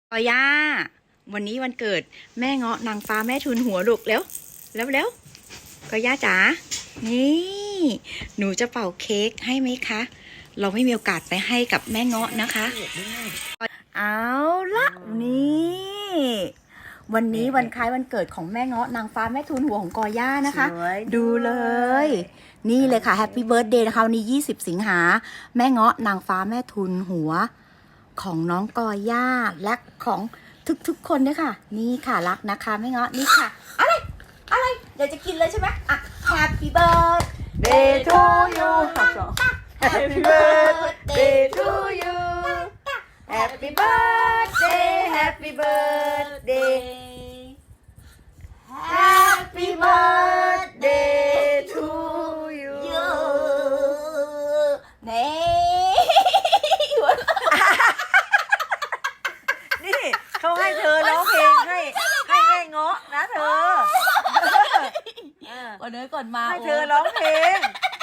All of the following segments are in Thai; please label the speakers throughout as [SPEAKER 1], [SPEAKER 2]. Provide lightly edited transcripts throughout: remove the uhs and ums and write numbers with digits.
[SPEAKER 1] กอย่าวันนี้วันเกิดแม่เงาะนางฟ้าแม่ทุนหัวลูกเร็วกอย่าจ๋านี่หนูจะเป่าเค้กให้ไหมคะเราไม่มีโอกาสไปให้กับแม่เงาะนะคะเอาละนี่วันนี้วันคล้ายวันเกิดของแม่เงาะนางฟ้าแม่ทุนหัวของกอย่านะคะดูเลยนี่เลยค่ะแฮปปี้เบิร์ธเดย์นะคะวันนี้20 สิงหาแม่เงาะนางฟ้าแม่ทุนหัวของน้องกอย่าและของทุกๆคนเนี่ยค่ะนี่ค่ะรักนะคะแม่เงาะนี่ค่ะอะไรอยากจะกินเลยใช่ไหมอ่ะ Happy birthday to you Happy birthday to you Happy birthday Happy birthday Happy birthday to you นี่
[SPEAKER 2] นี่เขาให้เธอร้องเพลงให้แม่เงาะนะเธอ
[SPEAKER 1] วันนี้ก่อนมา
[SPEAKER 2] ให้เธอร้องเพลง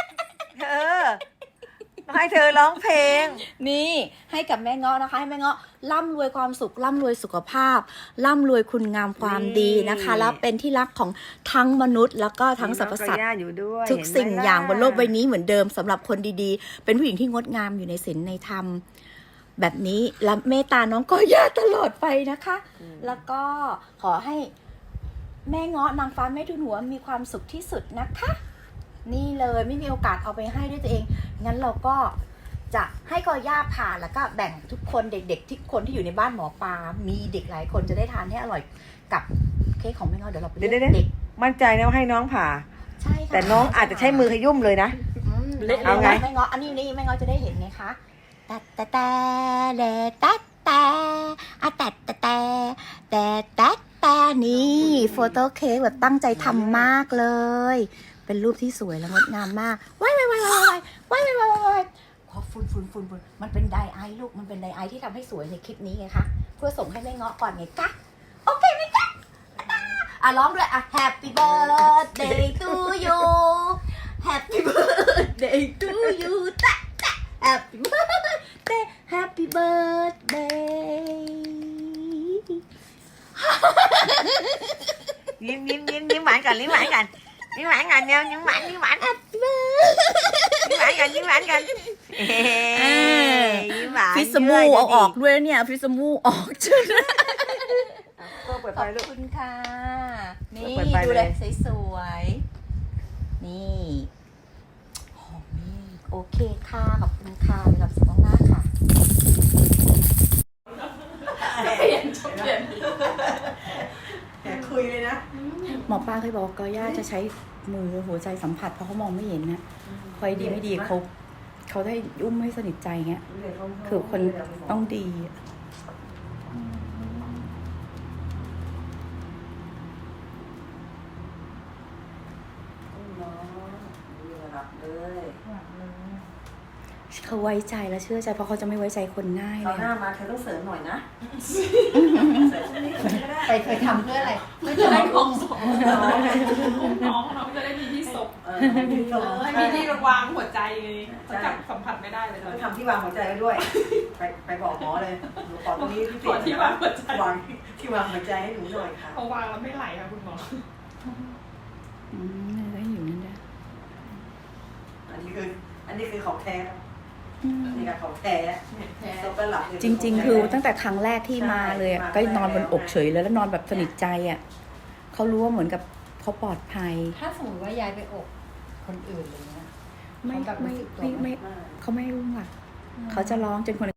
[SPEAKER 2] ให้เธอร้องเพลง
[SPEAKER 1] นี่ให้กับแม่เงาะนะคะให้แม่เงาะร่ำรวยความสุขร่ำรวยสุขภาพร่ำรวยคุณงามความดีนะคะแล้วเป็นที่รักของทั้งมนุษย์แล้วก็ทั้งสรรพสัตว์
[SPEAKER 2] อยู่ด้วย
[SPEAKER 1] ทุกสิ่งอย่างบนโลกใบนี้เหมือนเดิมสำหรับคนดีๆเป็นผู้หญิงที่งดงามอยู่ในศีลในธรรมแบบนี้และเมตตาน้องก็ย่าตลอดไปนะคะ แล้วก็ขอให้แม่เงาะนางฟ้าแม่ทุนหัวมีความสุขที่สุดนะคะ นี่เลยไม่มีโอกาสเอาไปให้ด้วยตัวเองงั้นเราก็จะให้กอย่าผ่าแล้วก็แบ่งทุกคนเด็กๆที่คนที่อยู่ในบ้านหมอปลามีเด็กหลายคนจะได้ทานให้อร่อยกับเค้กของแม่เงาะเดี๋ยวเราไปเลือกเด็ก
[SPEAKER 2] มั่นใจนะว่าให้น้องผ่า
[SPEAKER 1] ใช่ค่ะ
[SPEAKER 2] แต่น้องอาจจะใช้มือขยุ่มเลยนะ เอาไง
[SPEAKER 1] แม่เงาะอันนี้แม่เงาะจะได้เห็นไงคะแต่เลแต่อะแต่นี่โฟโต้เค้กแบบตั้งใจทำมากเลย เป็นรูปที่สวยและงดงามมากว้ายขอฝุ่นมันเป็นไดไอลูกมันเป็นไดไอที่ทำให้สวยในคลิปนี้ไงคะเพื่อส่งให้แม่เงาะก่อนไงคะโอเคไหมคะอ่ะร้องด้วยอ่ะ Happy birthday to you Happy birthday to you Happy birthday Happy birthday
[SPEAKER 2] ยิ้มหวานกันยิ้มหวานกันยิ้มหวานกันเนี่ยยิ้มหวาน
[SPEAKER 1] Happy birthday
[SPEAKER 2] ยิ้มหวานกันยิ้มหวาน
[SPEAKER 1] ฟิสมูเอาออกด้วยเนี่ยฟิสมูออกจน
[SPEAKER 2] ก็เปิด
[SPEAKER 1] ข
[SPEAKER 2] ไฟ
[SPEAKER 1] อบ
[SPEAKER 2] ลูก
[SPEAKER 1] คุณค่ะ นี่
[SPEAKER 2] เปิดไฟ
[SPEAKER 1] ดู
[SPEAKER 2] เล
[SPEAKER 1] เลย ยสวยๆนี่หอมนี่โอเคค่ะขอบคุณค่ะมีความสุขมากๆค่ะ
[SPEAKER 2] คุยเลยนะ
[SPEAKER 1] หมอป้าเคยบอกว่ากอย่าจะใช้มือหัวใจสัมผัสเพราะเขามองไม่เห็นนะคอยดีไม่ดีเขาได้อุ้มให้สนิทใจเงี้ยคือคนต้องดีเขาไว้ใจและเชื่อใจเพราะเขาจะไม่ไว้ใจคนง่ายเล
[SPEAKER 2] เรา
[SPEAKER 1] ย
[SPEAKER 2] หน้ามาเธอต้องเสริมหน่อยนะ
[SPEAKER 1] ไปทำเพื่ออะไรไม่
[SPEAKER 3] จะ
[SPEAKER 1] จะ
[SPEAKER 3] ได้
[SPEAKER 1] ได้
[SPEAKER 3] ของสองน้องจะได้มีที่ศพให้มีที่วางหัวใจไงเขาจับสัมผัสไม่ได้เลย
[SPEAKER 2] ต้องทำที่วางหัวใจไว้ด้วย ไปบอกหมอเลยหนูขอตรงนี้พิเศ
[SPEAKER 3] ขอ
[SPEAKER 2] ษ
[SPEAKER 3] ที่วางหัวใจ
[SPEAKER 2] วางที่วางหัวใจให้หนูหน่อยค่ะ
[SPEAKER 3] พอวางแล้วไม่ไหลค่ะคุณหมอ
[SPEAKER 1] ได้อยู่นั่นได้
[SPEAKER 2] อันนี้คือของแท้นี่ค่ะของแท้
[SPEAKER 3] แท้
[SPEAKER 2] ซบแล้วหลับ
[SPEAKER 1] จริงๆ คือตั้งแต่ครั้งแรกที่มาเลยอะก็นอนบนอกเฉยเลยแล้วนอนแบบสนิทใจอ่ะเขารู้ว่าเหมือนกับเขาปลอดภัย
[SPEAKER 4] ถ้าสมมติว่ายายไปอกคนอื่นอะไรเงี้ย
[SPEAKER 1] ไม่
[SPEAKER 4] เขาแบบรู้สึกตัวไหม
[SPEAKER 1] เขาไม่อุ้มอ่ะเขาจะร้องจนคน